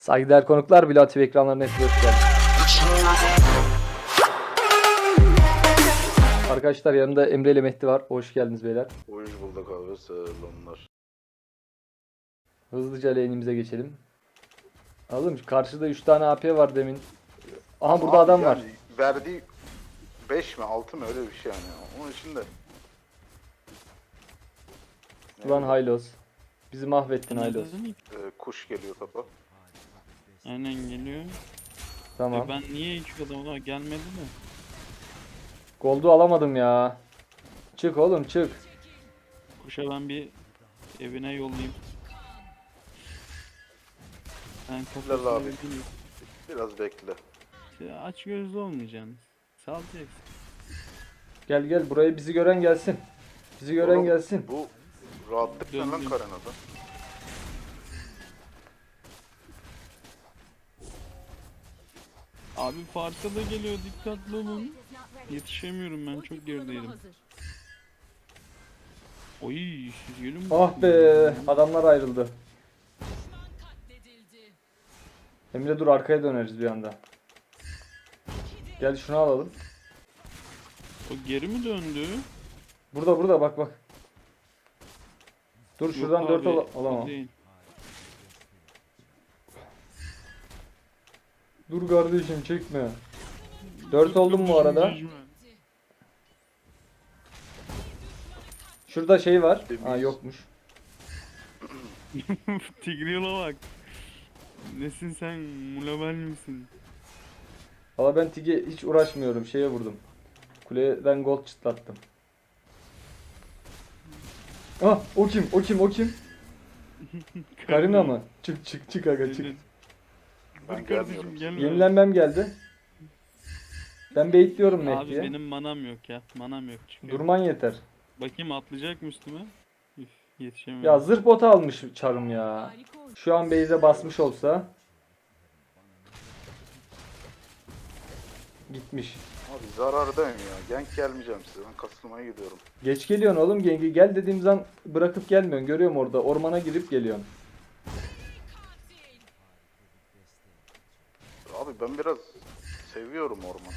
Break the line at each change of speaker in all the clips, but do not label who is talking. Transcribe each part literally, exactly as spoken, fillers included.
Saygıdeğer konuklar, Bilal T V ekranlarına hepiniz hoş geldiniz. Arkadaşlar yanımda Emre ile Mehdi var. Hoş geldiniz beyler.
Hoş bulduk abi, selamlar.
Hızlıca lane'imize geçelim. Oğlum karşıda üç tane A P var demin. Aha burada
Abi
adam
yani
var.
Verdiği beş mi altı mı öyle bir şey yani. Onun için de.
Ulan Haylos. Bizi mahvettin Haylos.
Ee, kuş geliyor topa.
Aynen geliyor.
Tamam.
E ben niye hiç adamına gelmedi mi?
Gold'u alamadım ya. Çık oğlum çık.
Kuşa ben bir evine yollayayım. Ben
Bilal
kafasına
abi.
bir bileyim.
Biraz bekle.
İşte aç gözlü olmayacaksın. Salacaksın.
Gel gel burayı bizi gören gelsin. Bizi gören
Oğlum,
gelsin.
Bu rahatlık ne lan
Döndüm.
Karena'da?
Abi farka da geliyor, dikkatli olun. Yetişemiyorum, ben çok gerideydim. Oy siz gelin
Ah be, adamlar ayrıldı. Emre dur, arkaya döneriz bir anda. Gel şunu alalım.
O geri mi döndü?
Burada burada bak bak. Dur
Yok
şuradan dört
abi,
al
o
alamam.
değil.
Dur kardeşim çekme. dört
Dur
oldum bu arada.
kardeşim,
Şurada şey var.
Temiz.
Ha yokmuş.
mecbur. Tigreal'a bak. Nesin sen, mulabel misin?
Valla ben Tig'e hiç uğraşmıyorum. Şeye vurdum. Kuleden gold çıtlattım. Ah o kim? O kim? O kim? Karina mı? Çık çık çık aga çık.
Evet.
Ben
Dur kardeşim
gelmiyorum.
gelme.
Yenilenmem geldi. Ben baitliyorum
Abi
Mehdi'ye.
benim manam yok ya. Manam yok. Çıkıyor.
Durman yeter.
Bakayım atlayacak mı üstüme? Üf, yetişemiyorum.
Ya zırh botu almış çarım ya. Şu an base'e basmış olsa. Gitmiş.
Abi zarardayım ya. Gank gelmeyeceğim size. Ben kasılmaya gidiyorum.
Geç geliyorsun oğlum gengi. Gel dediğim zaman bırakıp gelmiyorsun. Görüyorum orada. Ormana girip geliyorsun.
Abi ben biraz seviyorum ormanı.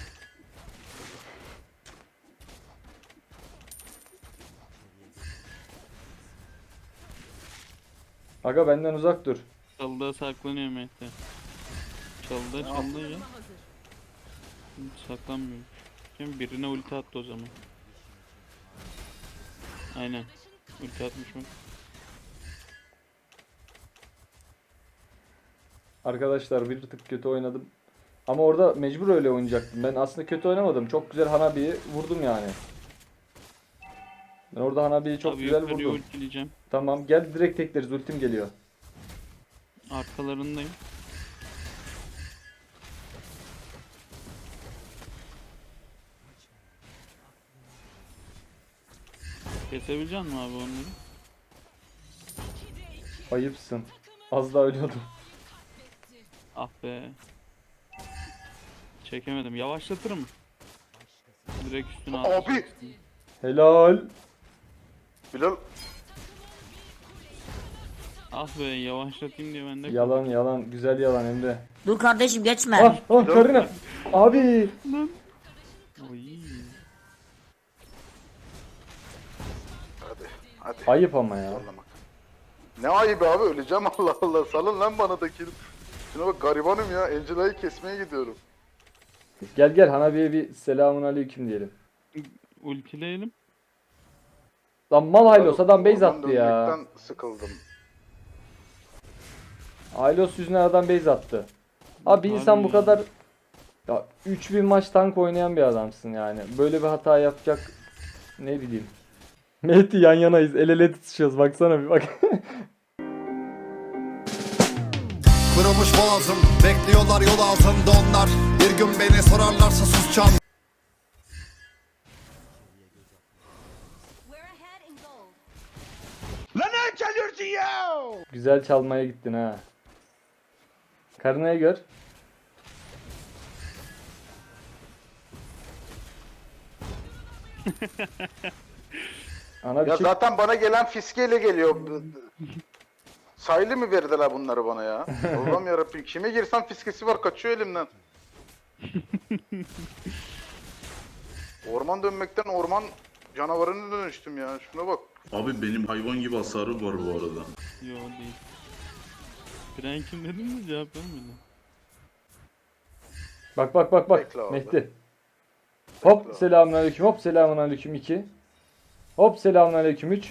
Aga benden uzak dur.
Çalıda saklanıyor Mehdi. Çalıda çalıda ya. Hiç saklanmıyor. Şimdi birine ulti attı o zaman. Aynen. Ulti atmış mı?
Arkadaşlar bir tık kötü oynadım. Ama orada mecbur öyle oynayacaktım. Ben aslında kötü oynamadım. Çok güzel Hanabi'yi vurdum yani. Ben orada Hanabi'yi çok
Abi
güzel
yukarıya
vurdum.
ultileyeceğim.
Tamam gel direkt tekleriz. Ultim geliyor.
Arkalarındayım. Kesebilecek misin abi onları?
Ayıpsın. Az daha ölüyordum.
Ah be. Çekemedim. Yavaşlatırım. Direkt üstüne
Abi!
atacağım.
Helal.
Bilal
Ah be, yavaşlatayım diye ben de
Yalan yalan. Güzel yalan Emre.
Dur kardeşim geçme.
Ah ah Karina. Abi.
Oy.
hadi hadi.
Ayıp ama ya.
Sallamak. Ne ayıbı abi, öleceğim Allah Allah. Salın lan bana da kill. Şuna bak, garibanım ya. Angela'yı kesmeye gidiyorum.
Gel gel Hanabi'ye bir selamun aleyküm diyelim.
Ultileyelim.
Lan mal Haylos adam base
Oradan
attı ya.
dönmekten sıkıldım.
Haylos yüzünden adam base attı. Abi bir insan
Abi
bu
ya.
kadar ya üç bin maç tank oynayan bir adamsın yani. Böyle bir hata yapacak ne bileyim. Mehdi yan yanayız. El ele tutuşuyoruz. Baksana bir bak.
Kırılmış boğazım, bekliyorlar yol altında onlar. Bir gün beni sorarlarsa susacağım.
Güzel çalmaya gittin ha. Karınayı gör. Ana bir
Ya
şey.
zaten bana gelen fiskeyle geliyor. Sayılı mı verdiler bunları bana ya? Allah'ım yarabbim, kime girsem fiskesi var, kaçıyor elimden. Orman dönmekten orman canavarına dönüştüm ya. Şuna bak.
Abi benim hayvan gibi hasarı var bu arada.
Yo değil. Frank'im dedin mi cevap vermedin.
Bak bak bak bak.
Bekle abi.
Mehdi. Hop
abi.
selamünaleyküm. Hop selamünaleyküm iki. Hop selamünaleyküm üç.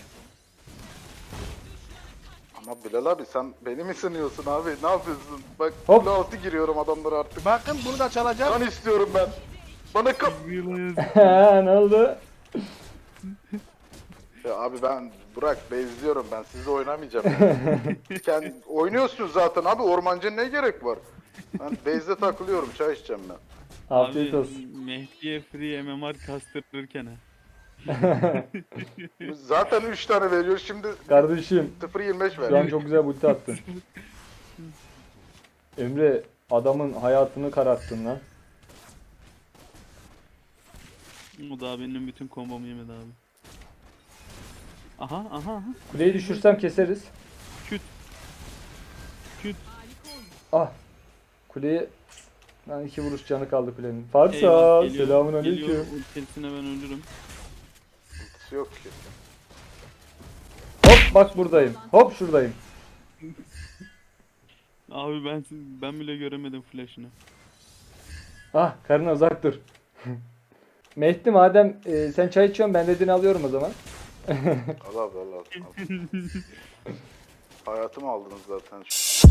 Ama Bilal abi sen beni mi sınıyorsun abi? Ne yapıyorsun? Bak
Hop.
kule altı giriyorum adamlara artık.
Bakın bunu da çalacağım.
Kan istiyorum ben. Bana kap...
ne oldu?
Ya abi ben Burak bezliyorum, ben sizle oynamayacağım. Kendi oynuyorsunuz zaten abi, ormancıya ne gerek var? Ben base'de takılıyorum, çay içeceğim ben.
Afiyet
Abi,
olsun.
Mehdi'ye free M M R kastırırken ha.
Zaten üç tane veriyor, şimdi
Kardeşim
sıfır yirmi beş
şu an
veriyor.
çok güzel ulti attın. Emre adamın hayatını kararttın lan.
O da benim bütün kombomu yemedi abi. Aha aha aha.
Kuleyi düşürsem keseriz.
Küt. Küt.
Ah. Kuleyi lan iki vuruş canı kaldı kulenin. Farsa
Eyvah, geliyor,
selamun
geliyor.
aleyküm.
Ultisine ben ölürüm.
Ultisi yok ki.
Hop bak buradayım. Hop şuradayım.
Abi ben ben bile göremedim flash'ını.
Ah karına uzak dur. Mehdi madem e, sen çay içiyorsun ben dediğini alıyorum o zaman.
Al abi al al. al. Hayatımı aldınız zaten.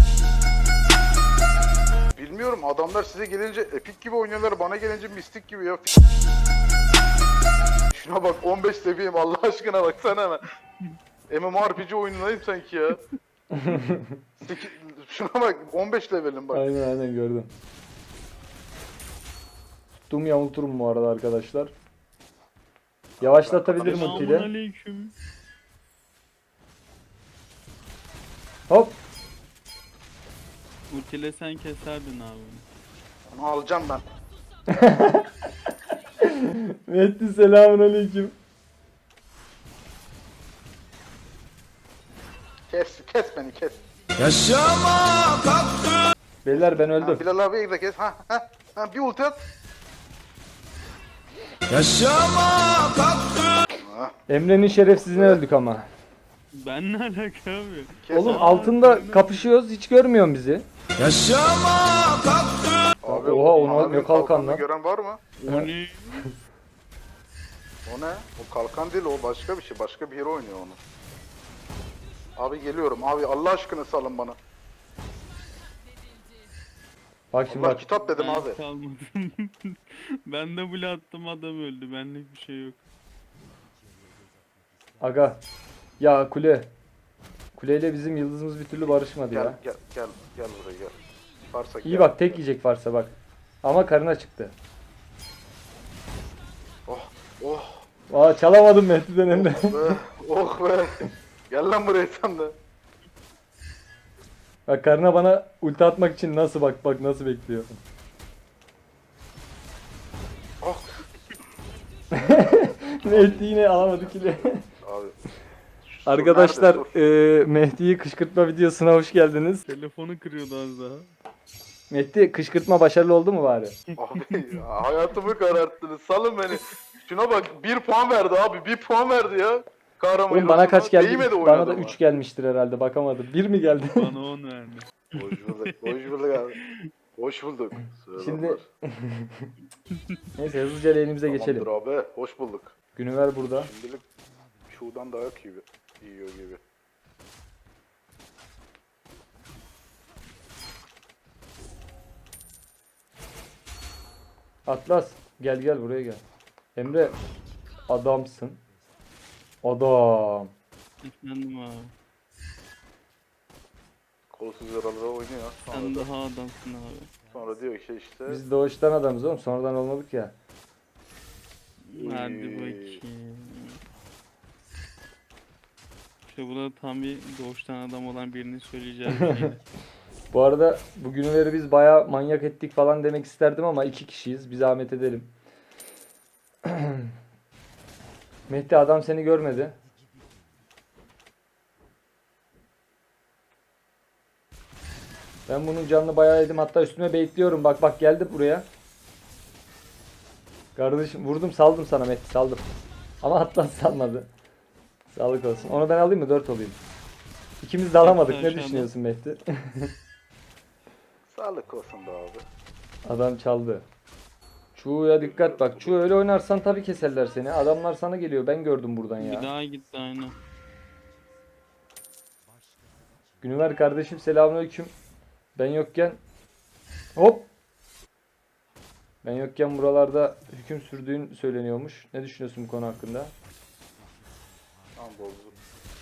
Bilmiyorum, adamlar size gelince epik gibi oynuyorlar, bana gelince mistik gibi ya. Şuna bak, on beş seviyeyim Allah aşkına, baksana hemen. MMORPG oyunundayım sanki ya. Seki- Şuna bak, on beş levelim bak.
Aynen aynen gördüm. Tuttum yamulturum bu arada arkadaşlar. Yavaşlatabilirim
Selamun
ultiyle.
aleyküm.
Hop.
Ultiyle sen keserdin abi.
Onu alacağım ben.
Mehdi selamun aleyküm.
Kes, kes beni kes.
Beyler ben
Ha,
öldüm.
Bilal abi de kes. Ha, ha, ha, bir ulti at. Ha,
Emre'nin şerefsizine öldük ama.
Ben ne alaka abi?
kes.
Oğlum
Aa,
altında
birine-
kapışıyoruz hiç görmüyorsun bizi.
Abi,
Oha,
o
ona
mavi
ne kalkan
kalkanını
lan?
gören var mı?
O ne?
O ne? O kalkan değil, o başka bir şey. Başka bir yere oynuyor onu. Abi geliyorum. Abi Allah aşkına salın bana.
Bak şimdi
Allah
bak.
kitap dedim
Ben
abi.
kalmadım. Ben de bile attım, adam öldü. Benlik bir şey yok.
Aga. Ya kule. Kuleyle bizim yıldızımız bir türlü barışmadı
Gel
ya.
gel gel gel buraya gel. Varsa
İyi
gel.
bak tek yiyecek varsa bak. Ama karına çıktı.
Oh oh
Aa çalamadım Mehdi'den hem de.
be. Oh be. Gel lan buraya sen de.
Bak karına bana ulti atmak için nasıl bak bak nasıl bekliyor.
Oh.
Mehdi yine alamadı kili.
Abi. Şu
Arkadaşlar
sur nerede,
e, Mehdi'yi kışkırtma videosuna hoş geldiniz.
Telefonu kırıyordu az daha.
Mehdi kışkırtma başarılı oldu mu bari?
sur? Abi ya, hayatımı kararttınız. Salın beni. Şuna bak, bir puan verdi abi. Bir puan verdi ya. Kahraman
Oğlum bana kaç geldi?
Değmedi
Bana da
oynadıma.
üç gelmiştir herhalde bakamadım. bir mi geldi?
Bana on verdi.
Hoş bulduk. Hoş bulduk abi. Hoş bulduk.
Şimdi neyse hızlıca lane'imize geçelim.
Tamamdır abi. Hoş bulduk.
Günüver burada.
Şimdilik şuradan daha iyi yiyor gibi.
Atlas gel gel buraya gel. Emre adamsın. Adam.
Efendim abi.
Kolsuz yaralığa oynuyor. Sonra,
Sen
da-
daha adamsın abi.
sonra diyor ki işte
Biz doğuştan adamız oğlum. Sonradan olmadık ya.
Hadi
Uy.
bakayım. İşte bu da tam bir doğuştan adam olan birinin söyleyeceği bir şeydi.
Bu arada bu günleri biz bayağı manyak ettik falan demek isterdim ama iki kişiyiz. Bir zahmet edelim. Mehdi adam seni görmedi. Ben bunun canını bayağı yedim. Hatta üstüme baitliyorum. Bak bak geldi buraya. Kardeşim vurdum saldım sana Mehdi saldım. Ama Atlas salmadı. Sağlık olsun. Onu ben alayım mı? dört olayım. İkimiz de alamadık.
Hepsi
Ne
aşağıda.
düşünüyorsun Mehdi?
Sağlık olsun be abi.
Adam çaldı. Çuğ'ya dikkat bak. Çuğ öyle oynarsan tabii keserler seni. Adamlar sana geliyor. Ben gördüm buradan
Bir
ya.
daha gitti aynen.
Günüver kardeşim selamünaleyküm. Ben yokken hop. Ben yokken buralarda hüküm sürdüğün söyleniyormuş. Ne düşünüyorsun bu konu hakkında?
Tamam bozdum.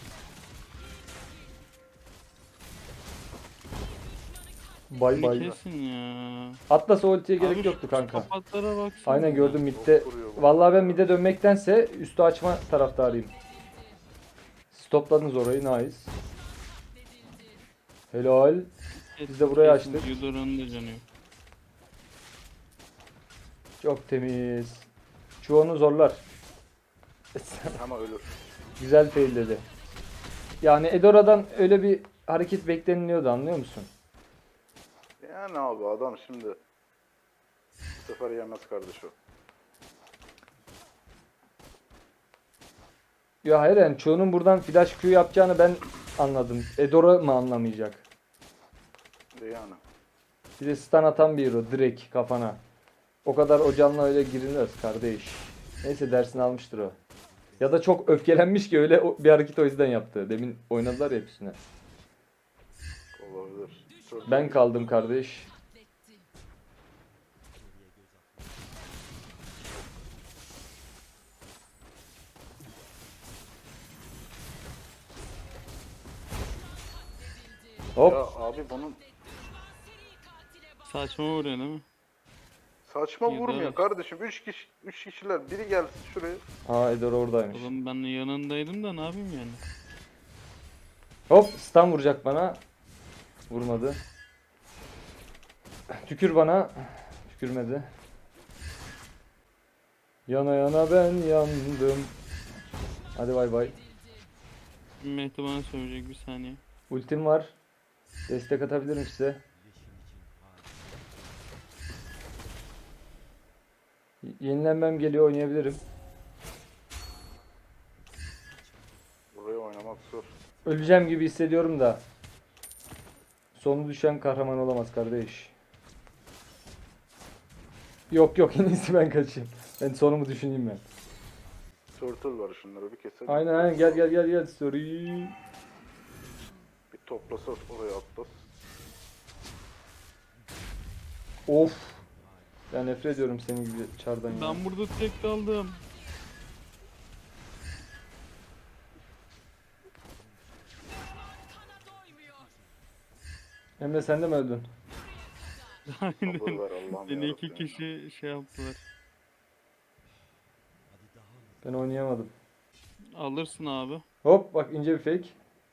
Bay
Bunu
bay.
kesin ya.
Atlas ultiye gerek
Abi
yoktu
şu
kanka.
Kapatlara baksana.
Aynen gördüm midde.
Çok vuruyor bu.
Vallahi ben midde dönmektense üstü açma taraftarıyım. Stopladınız orayı nice. Helal. Biz de burayı açtık.
Yudora'nın da canı yok.
Çok temiz. Çoğunu zorlar.
Ama ölür.
Güzel fail dedi. Yani Edora'dan öyle bir hareket bekleniliyordu anlıyor musun?
Yani abi adam şimdi bu sefer yemez kardeş o.
Ya hayır yani çoğunun buradan flash Q yapacağını ben anladım. Edora mı anlamayacak?
Yani.
Bir de stun atan bir hero direkt kafana. O kadar o canla öyle girilmez kardeş. Neyse dersini almıştır o. Ya da çok öfkelenmiş ki öyle o- bir hareket o yüzden yaptı. Demin oynadılar ya hepsine.
Olabilir. Çok
Ben kaldım kardeş. Hop.
Ya abi bunun
Saçma vuruyor değil mi?
saçma
Ya da-
vurmuyor kardeşim. Üç kişi, üç kişiler biri gelsin şuraya.
Aa Edora oradaymış.
Oğlum ben yanındaydım da ne yapayım yani?
Hop stun vuracak bana. Vurmadı. Tükür bana. Tükürmedi. Yana yana ben yandım. Hadi bay bay.
Mehdi bana söyleyecek bir saniye.
Ultim var. Destek atabilirim size. Y- Yenilenmem geliyor oynayabilirim.
Buraya oynamak zor.
Öleceğim gibi hissediyorum da. Sonu düşen kahraman olamaz kardeş. Yok yok en iyisi ben kaçayım. Ben sonumu düşüneyim ben.
Turtle var şunları bir keselim.
Aynen aynen gel gel gel gel. Sorry.
Bir toplasa oraya atlas.
Of. Ya nefret ediyorum senin gibi çardan ya.
Ben burada tek kaldım.
Emre sen de mi öldün?
Sabır
Aynen.
ver Allah'ım
Beni iki
yarabbim.
kişi şey yaptılar.
Ben oynayamadım.
Alırsın abi.
Hop bak ince bir fake.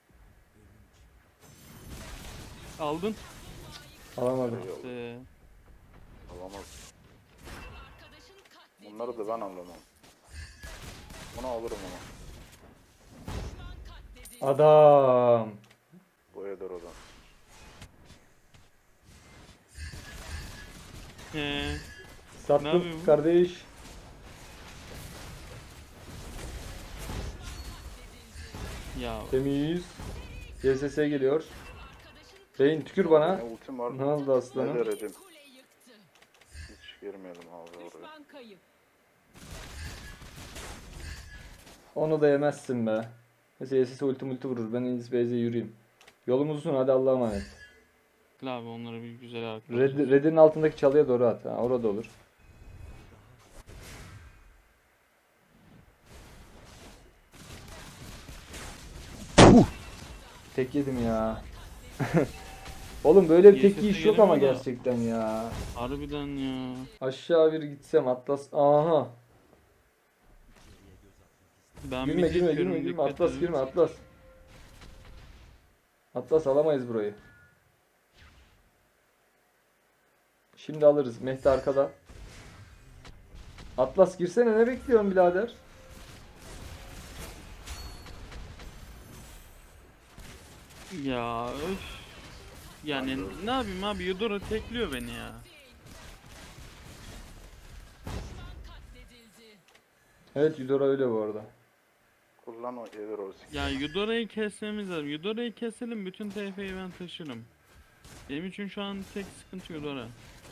Aldın.
Alamadım.
Eyvallah,
Ee,
alamaz. Bunları da ben anlamam. Bunu alırım ama.
Adam.
Bu eder odan.
ee, Ne
Sattım
yapıyor bu?
kardeş.
ya
Temiz. C S S geliyor. Beyin tükür bana.
Ne ultim var.
Ne oldu
Ne
aslanım?
deredim. Hiç girmeyelim abi oraya.
Onu da yemezsin be. Neyse C S S ulti multi vurur. Ben en iyisi base'e yürüyeyim. Yolumuz uzun hadi Allah'a emanet.
abi onları bir güzel haklı.
Red, Red'in altındaki çalıya doğru at. Ha, orada olur. Tek yedim ya. Oğlum böyle bir tek
Y S S
yiyiş yok ama
gelemiyor da.
gerçekten ya.
Harbiden ya.
Aşağı bir gitsem Atlas. Aha.
Ben
Girme
bir
girme
çıkıyorum,
girme girme
dikkat
Atlas
edin.
girme Atlas. Atlas alamayız burayı. Şimdi alırız. Mehdi arkada. Atlas girsene ne bekliyorsun birader?
Ya öf. Yani ne yapayım abi, Yudora tekliyor beni ya.
Evet Yudora öyle bu arada.
Kullan o gelir o sik.
Ya Yudora'yı kesmemiz lazım. Yudora'yı keselim, bütün T F'yi ben taşırım. Benim için şu an tek sıkıntı Yudora.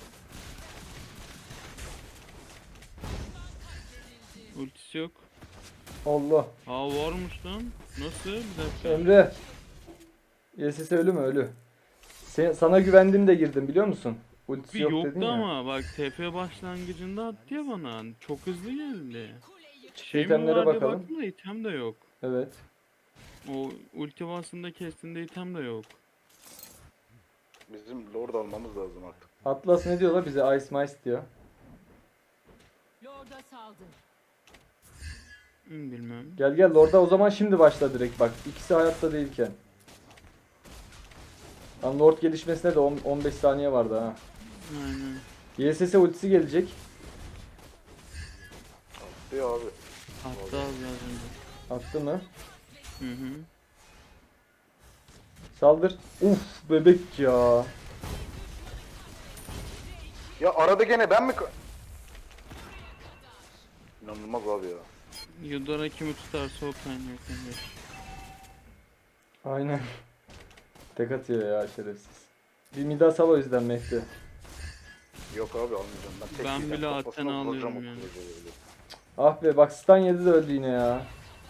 Ultisi yok.
Allah.
Aa varmış lan. Nasıl? Bir dakika.
Emre. Y S S ölü mü? Ölü. Sen, sana güvendim de girdim biliyor musun? Ultisi
Bir
yok
yoktu
dedin ya.
ama bak T F başlangıcında attı ya bana. Çok hızlı geldi. Şey mi
itemlere
var diye
bakalım.
baktım da item de yok.
Evet.
O ulti basında kestiğinde item de yok.
Bizim Lord almamız lazım artık.
Atlas ne diyorlar bize? Ice Mice diyor.
Lord'a saldır.
Hmm, bilmem.
Gel gel Lord'a o zaman şimdi başla direkt bak. İkisi hayatta değilken. Lan Lord gelişmesine de on on beş saniye vardı ha.
Aynen.
Y S S ultisi gelecek.
Diyor abi.
Hatta az önce.
Attı mı?
Hı hı.
Saldır. Uf bebek ya.
Ya arada gene ben mi... ka- İnanılmaz abi ya.
Yudora kimi tutarsa o kaynıyor kardeş.
Aynen. Tek atıyor ya şerefsiz. Bir Midas al o yüzden Mehdi.
Yok abi almayacağım. Ben, tek
Ben
yiyeceğim,
bile
kafasına
Athena
vuracağım
alıyorum
o
yani.
kılıcı öyle.
Ah be bak stun yedi de öldü yine ya.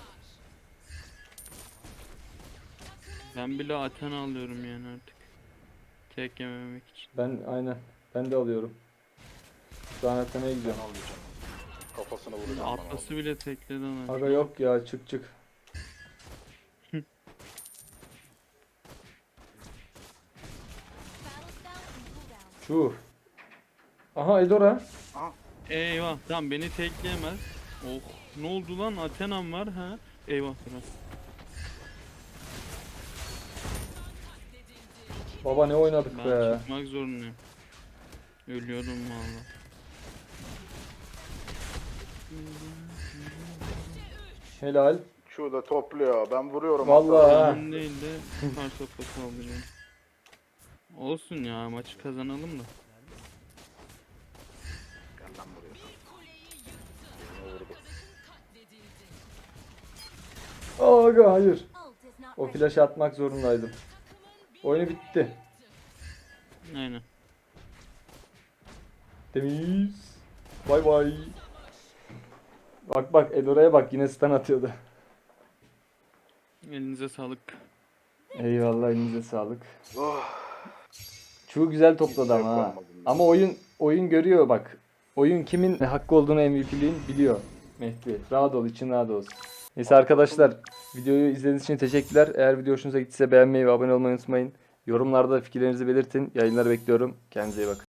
Ben bile Athena alıyorum yani artık. Tek yememek için.
Ben aynen. Ben de alıyorum. Şu an Athena'ya
Ben
gidiyorum.
almayacağım. Kafasına vuracağım bana.
Atlas'ı bile tekledi ona.
Aga yok ya çık çık. Çuh. Aha Edora.
Eyvah tamam beni tekleyemez. Oh ne oldu lan, Athena'm var ha. Eyvah biraz.
Baba ne oynadık
Ben
be.
çıkmak zorundayım. Ölüyorum valla.
Helal.
Şu da topluyor. Ben vuruyorum.
Vallahi
hatta.
ha.
Benim değil de süper topa saldırıyorum. Olsun ya, maçı kazanalım da.
Gel lan buraya. Yine vurdu.
Aga hayır. O flash atmak zorundaydım. Oyunu bitti.
Aynen.
Temiz. Bay bay. Bak bak Edora'ya bak yine stun atıyordu.
Elinize sağlık.
Eyvallah elinize sağlık.
Oh.
Çoğu güzel topladı ama ha.
Yapamadım ya.
Ama oyun oyun görüyor bak. Oyun kimin hakkı olduğunu M V P'liğin biliyor Mehdi. Rahat ol, için rahat olsun. Neyse arkadaşlar videoyu izlediğiniz için teşekkürler. Eğer video hoşunuza gittiyse beğenmeyi ve abone olmayı unutmayın. Yorumlarda fikirlerinizi belirtin. Yayınları bekliyorum. Kendinize iyi bakın.